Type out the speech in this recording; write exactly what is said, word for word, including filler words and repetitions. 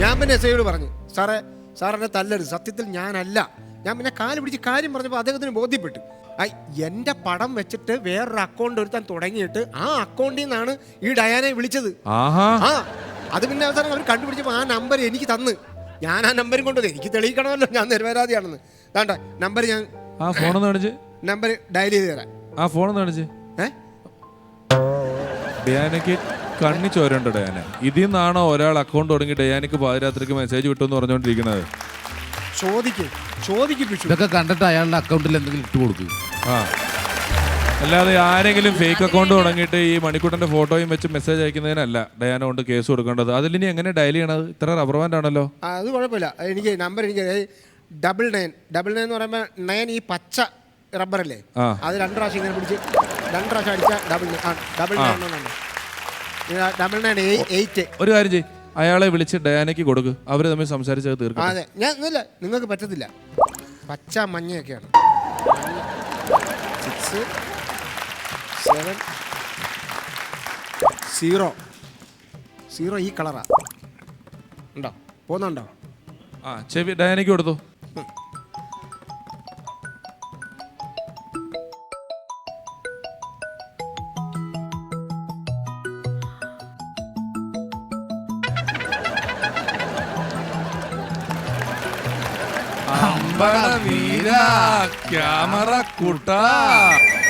ഞാൻ പിന്നെ എസ് ഐയോട് പറഞ്ഞു, സാറേ സാർ എന്നെ തല്ലരുത്, സത്യത്തിൽ ഞാനല്ല. ഞാൻ പിന്നെ കാല് പിടിച്ച് കാര്യം പറഞ്ഞപ്പോൾ അദ്ദേഹത്തിന് ബോധ്യപ്പെട്ടു. ഐ എൻ്റെ പടം വെച്ചിട്ട് വേറൊരു അക്കൗണ്ട് ഒരുത്താൻ തുടങ്ങിയിട്ട് ആ അക്കൗണ്ടിൽ നിന്നാണ് ഈ ഡയാനെ വിളിച്ചത്. ആ അത് പിന്നെ അവസാനം അവർ കണ്ടുപിടിച്ചപ്പോൾ ആ നമ്പർ എനിക്ക് തന്ന്, ഞാൻ ആ നമ്പരും കൊണ്ടത് എനിക്ക് തെളിയിക്കണമല്ലോ ഞാൻ നിരപരാധിയാണെന്ന്. വേണ്ട നമ്പർ ഞാൻ ആ ഫോണൊന്ന് കാണിച്ച് നമ്പർ ഡയൽ ചെയ്ത് തരാം. ആ ഫോണൊന്ന് കാണിച്ച്. ഏഹ് ഡയാനയ്ക്ക് കണ്ണി ചോരണ്ടോ ഡയാന? ഇതിൽ നിന്നാണോ ഒരാൾ അക്കൗണ്ട് തുടങ്ങി ഡയാനയ്ക്ക് പാതിരാത്രിക്ക് മെസ്സേജ് വിട്ടെന്ന് പറഞ്ഞുകൊണ്ടിരിക്കുന്നത്? ചോദിക്കും ചോദിക്കും. ഇതൊക്കെ കണ്ടിട്ട് അയാളുടെ അക്കൗണ്ടിൽ എന്തെങ്കിലും ഇട്ട് കൊടുക്കും. ആ അല്ലാതെ ആരെങ്കിലും ഫേക്ക് അക്കൗണ്ട് തുടങ്ങിയിട്ട് ഈ മണിക്കൂട്ടന്റെ ഫോട്ടോയും വെച്ച് മെസ്സേജ് അയക്കുന്നതിനല്ല ഡയാന കൊണ്ട് കേസ് കൊടുക്കേണ്ടത്. അതിലിനി എങ്ങനെ ഡയൽ ചെയ്യണത്? ഇത്ര റബ്ബർ ബാൻഡ് ആണല്ലോ. അത് കുഴപ്പമില്ല. എനിക്ക് നമ്പർ എനിക്ക് ഡബിൾ നയൻ ഡബിൾ നയൻ എന്ന് പറയുമ്പോൾ നയൻ ഈ പച്ച റബ്ബറല്ലേ, അത് രണ്ട് പ്രാവശ്യം ഇങ്ങനെ പിടിച്ച് രണ്ട് പ്രാവശ്യം അടിച്ച double double nine double nine eight. ഒരു കാര്യം ചെയ്യ്, അയാളെ വിളിച്ച് ഡയാനയ്ക്ക് കൊടുക്ക്, അവര് തമ്മിൽ സംസാരിച്ചത് തീർക്കും. അതെ ഞാൻ ഇല്ല, നിങ്ങൾക്ക് പറ്റത്തില്ല. പച്ച മഞ്ഞയൊക്കെയാണ്. സിക്സ് സെവൻ സീറോ സീറോ ഈ കളറാ ഉണ്ടോ? പോകുന്നുണ്ടോ? ആ ചെവി ഡയാനയ്ക്ക് കൊടുത്തു. ക്യാമറ കൂട്ടാ